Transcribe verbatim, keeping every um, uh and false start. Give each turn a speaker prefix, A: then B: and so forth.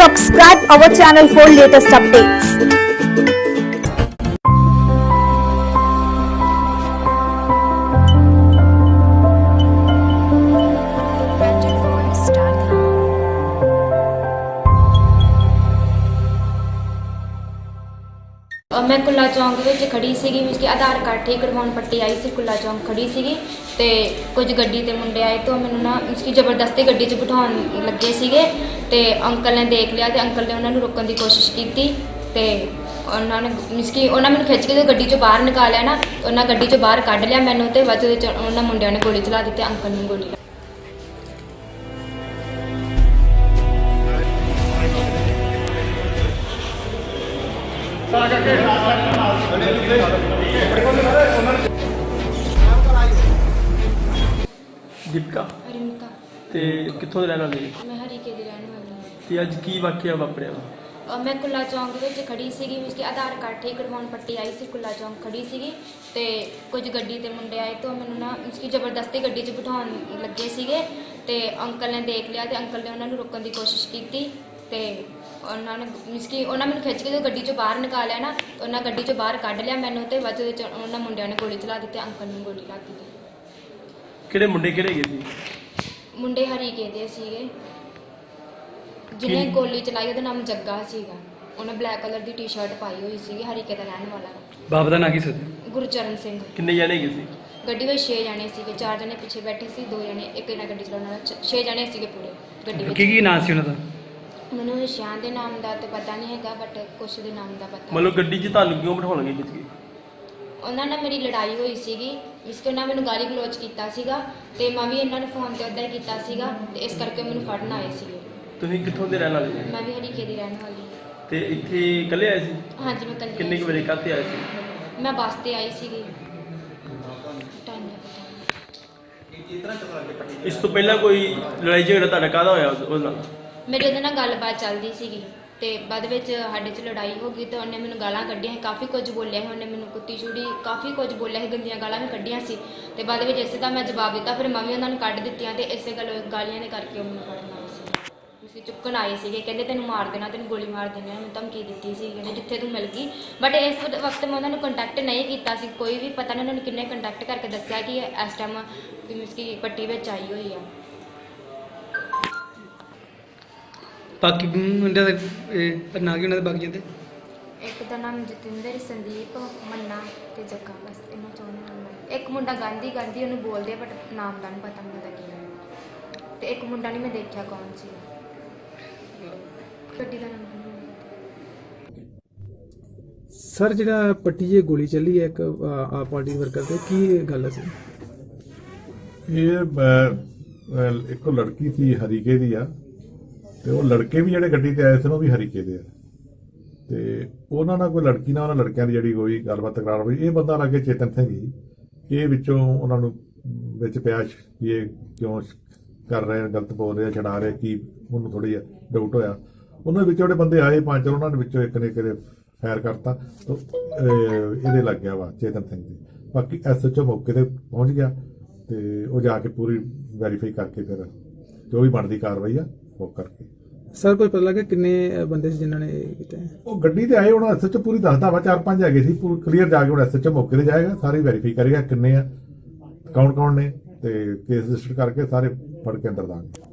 A: subscribe our channel for latest updates.
B: मैं कुल्ला चौंक ਵਿੱਚ ਖੜੀ ਸੀਗੀ ਮਿਸ ਕਿ ਆਧਾਰ ਕਾਰਡ ਠੀਕ ਕਰਵਾਉਣ ਪੱਟੀ ਆਈ ਸੀ ਕੁੱਲਾ ਚੌਂਕ ਖੜੀ ਸੀਗੀ ਤੇ ਕੁਝ ਗੱਡੀ ਤੇ ਮੁੰਡੇ ਆਏ ਤੋਂ ਮੈਨੂੰ ਨਾ ਮਿਸ ਕਿ ਜ਼ਬਰਦਸਤੀ ਗੱਡੀ 'ਚ ਬਿਠਾਉਣ ਲੱਗੇ ਸੀਗੇ ਤੇ ਅੰਕਲ ਨੇ ਦੇਖ ਲਿਆ ਤੇ ਅੰਕਲ ਨੇ ਉਹਨਾਂ ਨੂੰ ਰੋਕਣ ਦੀ ਕੋਸ਼ਿਸ਼ ਕੀਤੀ ਤੇ ਉਹਨਾਂ ਨੇ ਮਿਸ ਕਿ ਉਹਨਾਂ ਮੈਨੂੰ ਖਿੱਚ ਕੇ ਜਦੋਂ ਗੱਡੀ 'ਚੋਂ ਬਾਹਰ ਨਿਕਾਲਿਆ ਨਾ ਉਹਨਾਂ ਗੱਡੀ 'ਚੋਂ ਬਾਹਰ ਕੱਢ ਲਿਆ ਮੈਨੂੰ ਤੇ ਬਾਅਦ ਵਿੱਚ ਉਹਨਾਂ ਮੁੰਡਿਆਂ ਨੇ ਗੋਲੀ ਚਲਾ ਦਿੱਤੀ ਅੰਕਲ ਨੂੰ ਗੋਲੀ
C: दीपिका
B: रिंका
C: ते कित्थों दे रहने वाले
B: मैं हरीके ਦੀ ਰਹਿਣ ਵਾਲੀ ਹਾਂ
C: ते अज की वाकया वापरिया
B: ਔਰ ਮੈਂ ਕੁੱਲਾ ਚੌਂਕ ਵਿੱਚ ਖੜੀ ਸੀਗੀ ਮਿਸ ਕਿ ਆਧਾਰ ਕਾਰਡ ਠੀਕ ਕਰਵਾਉਣ ਪੱਟੀ ਆਈ ਸੀ ਕੁੱਲਾ ਚੌਂਕ ਖੜੀ ਸੀਗੀ ਤੇ ਕੁਝ ਗੱਡੀ ਤੇ ਮੁੰਡੇ ਆਏ ਤੋਂ ਮੈਨੂੰ ਨਾ ਮਿਸ ਕਿ ਜ਼ਬਰਦਸਤੀ ਗੱਡੀ 'ਚ ਬਿਠਾਉਣ ਲੱਗੇ ਸੀਗੇ ਤੇ ਅੰਕਲ ਨੇ ਦੇਖ ਲਿਆ ਤੇ ਅੰਕਲ ਨੇ ਉਹਨਾਂ ਨੂੰ ਰੋਕਣ ਦੀ ਕੋਸ਼ਿਸ਼ ਕੀਤੀ ਤੇ ਉਹਨਾਂ ਨੇ ਮਿਸ ਕਿ ਉਹਨਾਂ ਮੈਨੂੰ ਖਿੱਚ ਕੇ ਜਦੋਂ ਗੱਡੀ 'ਚੋਂ ਬਾਹਰ ਨਿਕਾਲਿਆ ਨਾ ਉਹਨਾਂ ਗੱਡੀ 'ਚੋਂ ਬਾਹਰ ਕੱਢ ਲਿਆ ਮੈਨੂੰ ਤੇ ਬਾਅਦ ਵਿੱਚ ਉਹਨਾਂ ਮੁੰਡਿਆਂ ਨੇ ਗੋਲੀ ਚਲਾ ਦਿੱਤੀ ਅੰਕਲ ਨੂੰ ਗੋਲੀ ਲੱਗ ਗਈ
C: ਕਿਹੜੇ ਮੁੰਡੇ ਕਿਹੜੇ ਗਏ ਸੀ
B: ਮੁੰਡੇ ਹਰੀਕੇ ਦੇ ਸੀਗੇ ਜਿਹਨੇ ਗੋਲੀ ਚਲਾਈ ਉਹਦਾ ਨਾਮ ਜੱਗਾ ਸੀਗਾ ਉਹਨੇ ਬਲੈਕ ਕਲਰ ਦੀ ਟੀ-ਸ਼ਰਟ ਪਾਈ ਹੋਈ ਸੀਗੀ ਹਰੀਕੇ ਦਾ ਰਹਿਣ ਵਾਲਾ
C: ਬਾਪ ਦਾ ਨਾਂ ਕੀ ਸੀ
B: ਗੁਰਚਰਨ ਸਿੰਘ
C: ਕਿੰਨੇ ਜਣੇ ਗਏ ਸੀ
B: ਗੱਡੀ ਵਿੱਚ ਛੇ ਜਣੇ ਸੀਗੇ ਚਾਰ ਜਣੇ ਪਿੱਛੇ ਬੈਠੇ ਸੀ ਦੋ ਜਣੇ ਇੱਕ ਜਣਾ ਗੱਡੀ ਚਲਾਉਣ ਵਾਲਾ ਛੇ ਜਣੇ ਸੀਗੇ ਪੂਰੇ ਗੱਡੀ ਵਿੱਚ
C: ਕੀ ਕੀ ਨਾਂ ਸੀ ਉਹਨਾਂ ਦਾ
B: ਮੈਨੂੰ ਇਸ਼ਾਨ ਦੇ ਨਾਮ ਦਾ ਤੇ ਪਤਾ ਨਹੀਂ ਹੈਗਾ ਬਟ ਕੁਛ ਦੇ ਨਾਮ ਦਾ ਪਤਾ
C: ਮਤਲਬ ਗੱਡੀ 'ਚ ਤੁਹਾਨੂੰ ਕਿਉਂ ਬਿਠਾਉਣਗੇ ਖਿੱਚ ਕੇ
B: ਉਹਨਾਂ ਨਾਲ ਮੇਰੀ ਲੜਾਈ ਹੋਈ ਸੀਗੀ ਇਸ ਕੇ ਉਹਨਾਂ ਮੈਨੂੰ ਗਾਲੀ ਗਲੋਚ ਕੀਤਾ ਸੀਗਾ ਤੇ ਮੈਂ ਵੀ ਇਹਨਾਂ ਨੂੰ ਫੋਨ ਤੇ ਉੱਦਾਂ ਹੀ ਕੀਤਾ ਸੀਗਾ ਤੇ ਇਸ ਕਰਕੇ ਮੈਨੂੰ ਫੜਨ ਆਏ ਸੀਗੇ
C: ਤੁਸੀਂ ਕਿੱਥੋਂ ਦੇ ਰਹਿਣ ਵਾਲੇ
B: ਮੈਂ ਵੀ ਹਰੀਕੇ ਦੀ ਰਹਿਣ ਵਾਲੀ
C: ਤੇ ਇੱਥੇ ਇਕੱਲੇ ਆਏ ਸੀ
B: ਹਾਂਜੀ ਮੈਂ ਕੱਲੀ
C: ਕਿੰਨੇ ਕੁ ਵਜੇ ਕਾਹਤੇ ਆਏ ਸੀ
B: ਮੈਂ ਬੱਸ ਤੇ ਆਈ ਸੀਗੀ ਟਾਈਮ ਦਾ ਪਤਾ
C: ਇਸ ਤੋਂ ਪਹਿਲਾਂ ਕੋਈ ਲੜਾਈ ਝਗੜਾ ਤੁਹਾਡਾ ਕਾਹਦਾ ਹੋਇਆ ਉਸ ਉਸ ਨਾਲ
B: ਮੇਰੇ ਉਹਦੇ ਨਾਲ ਗੱਲਬਾਤ ਚੱਲਦੀ ਸੀਗੀ ਤੇ ਬਾਅਦ ਵਿੱਚ ਸਾਡੇ 'ਚ ਲੜਾਈ ਹੋ ਗਈ ਤੇ ਉਹਨੇ ਮੈਨੂੰ ਗਾਲਾਂ ਕੱਢੀਆਂ ਸੀ ਕਾਫੀ ਕੁਝ ਬੋਲਿਆ ਸੀ ਉਹਨੇ ਮੈਨੂੰ ਕੁੱਤੀ ਚੂੜੀ ਕਾਫੀ ਕੁਝ ਬੋਲਿਆ ਸੀ ਗੰਦੀਆਂ ਗਾਲਾਂ ਵੀ ਕੱਢੀਆਂ ਸੀ ਤੇ ਬਾਅਦ ਵਿੱਚ ਇਸੇ ਦਾ ਮੈਂ ਜਵਾਬ ਦਿੱਤਾ ਫਿਰ ਮੈਂ ਵੀ ਉਹਨਾਂ ਨੂੰ ਕੱਢ ਦਿੱਤੀਆਂ ਤੇ ਇਸੇ ਗੱਲ ਗਾਲੀਆਂ ਦੇ ਕਰਕੇ ਉਹ ਮੈਨੂੰ ਫੜਨ ਆਏ ਸੀ ਤੁਸੀਂ ਚੁੱਕਣ ਆਏ ਸੀਗੇ ਕਹਿੰਦੇ ਤੈਨੂੰ ਮਾਰ ਦੇਣਾ ਤੈਨੂੰ ਗੋਲੀ ਮਾਰ ਦੇਣੀ ਮੈਨੂੰ ਧਮਕੀ ਦਿੱਤੀ ਸੀ ਕਹਿੰਦੇ ਜਿੱਥੇ ਤੂੰ ਮਿਲ ਗਈ ਬਟ ਇਸ ਵਕਤ ਮੈਂ ਉਹਨਾਂ ਨੂੰ ਕੰਟੈਕਟ ਨਹੀਂ ਕੀਤਾ ਸੀ ਕੋਈ ਵੀ ਪਤਾ ਨਹੀਂ ਉਹਨਾਂ ਨੂੰ ਕਿੰਨੇ ਕੰਟੈਕਟ ਕਰਕੇ ਦੱਸਿਆ ਕਿ ਇਸ ਟਾਈਮ ਮੀਨਸ ਕਿ ਪੱਟੀ ਵਿੱਚ ਆਈ ਹੋਈ ਆ
D: ਬਾਕੀ ਮੁੰਡਿਆਂ ਦਾ ਇਹ ਨਾਂ ਕੀ ਉਹਨਾਂ ਦੇ ਬਾਕੀ ਦੇ
B: ਇੱਕ ਦਾ ਨਾਮ ਜਤਿੰਦਰ ਸੰਦੀਪ ਮੰਨਾ ਤੇ ਜੱਗਾ ਬਸ ਇਹਨਾਂ ਚੋਂ ਨਾਮ ਇੱਕ ਮੁੰਡਾ ਗਾਂਧੀ ਗਾਂਧੀ ਉਹਨੂੰ ਬੋਲਦੇ ਬਟ ਨਾਮ ਦਾ ਨਹੀਂ ਪਤਾ ਮੈਨੂੰ ਦਾ ਕੀ ਹੈ ਤੇ ਇੱਕ ਮੁੰਡਾ ਨਹੀਂ ਮੈਂ ਦੇਖਿਆ ਕੌਣ ਸੀ ਗੱਡੀ ਦਾ ਨਾਮ
E: ਸਰ ਜਿਹੜਾ ਪੱਟੀ 'ਚ ਗੋਲੀ ਚੱਲੀ ਹੈ ਇੱਕ ਆ ਪਾਰਟੀ ਵਰਕਰ ਤੇ ਕੀ ਗੱਲ ਸੀ
F: ਇਹ ਇੱਕ ਲੜਕੀ ਸੀ ਹਰੀਕੇ ਦੀ ਆ ਤੇ ਉਹ ਲੜਕੇ ਵੀ ਜਿਹੜੇ ਗੱਡੀ ਤੇ ਆਏ ਸਨ ਉਹ ਵੀ ਹਰੀਕੇ ਦੇ ਆ ਤੇ ਉਹਨਾਂ ਨਾਲ ਕੋਈ ਲੜਕੀ ਨਾਲ ਉਹਨਾਂ ਲੜਕਿਆਂ ਦੀ ਜਿਹੜੀ ਹੋਈ ਗੱਲਬਾਤ ਤਕਰਾਰ ਹੋਈ ਇਹ ਬੰਦਾ ਲੱਗੇ ਚੇਤਨ ਸਿੰਘ ਹੀ ਇਹ ਵਿੱਚੋਂ ਉਹਨਾਂ ਨੂੰ ਵਿੱਚ ਪਿਆ ਕਿ ਇਹ ਕਿਉਂ ਕਰ ਰਹੇ ਨੇ ਗਲਤ ਬੋਲ ਰਹੇ ਛਡਾ ਰਹੇ ਕੀ ਉਹਨੂੰ ਥੋੜੀ ਜਿਹਾ ਡਾਊਟ ਹੋਇਆ ਉਹਨਾਂ ਵਿੱਚ ਜਿਹੜੇ ਬੰਦੇ ਆਏ ਪੰਜ ਉਹਨਾਂ ਦੇ ਵਿੱਚੋਂ ਇੱਕ ਨੇ ਕਿਤੇ ਫਾਇਰ ਕਰਤਾ ਤਾਂ ਇਹਦੇ ਲੱਗ ਗਿਆ ਵਾ ਚੇਤਨ ਸਿੰਘ ਦੀ ਬਾਕੀ ਐਸਐਚਓ ਮੌਕੇ ਤੇ ਪਹੁੰਚ ਗਿਆ ਤੇ ਉਹ ਜਾ ਕੇ ਪੂਰੀ ਵੈਰੀਫਾਈ ਕਰਕੇ ਫਿਰ ਜੋ ਵੀ ਬਣਦੀ ਕਾਰਵਾਈ ਆ ਉਹ ਕਰਕੇ
E: ਸਰ ਕੋਈ ਪਤਾ ਲੱਗਾ ਕਿੰਨੇ ਬੰਦੇ ਸੀ ਜਿਨ੍ਹਾਂ ਨੇ ਕੀਤਾ
F: ਉਹ ਗੱਡੀ ਤੇ ਆਏ ਹੁਣ ਐਸਐਚਓ ਪੂਰੀ ਦੱਸਦਾ ਵਾ ਚਾਰ ਪੰਜ ਹੈਗੇ ਸੀ ਪੂਰੀ ਕਲੀਅਰ ਜਾ ਕੇ ਹੁਣ ਐਸਐਚਓ ਮੌਕੇ ਤੇ ਜਾਏਗਾ ਸਾਰੀ ਵੈਰੀਫਾਈ ਕਰੇਗਾ ਕਿੰਨੇ ਆ ਕੌਣ ਕੌਣ ਨੇ ਤੇ ਕੇਸ ਰਜਿਸਟਰ ਕਰਕੇ ਸਾਰੇ ਫੜ ਕੇ ਅੰਦਰ ਦਾਂਗੇ।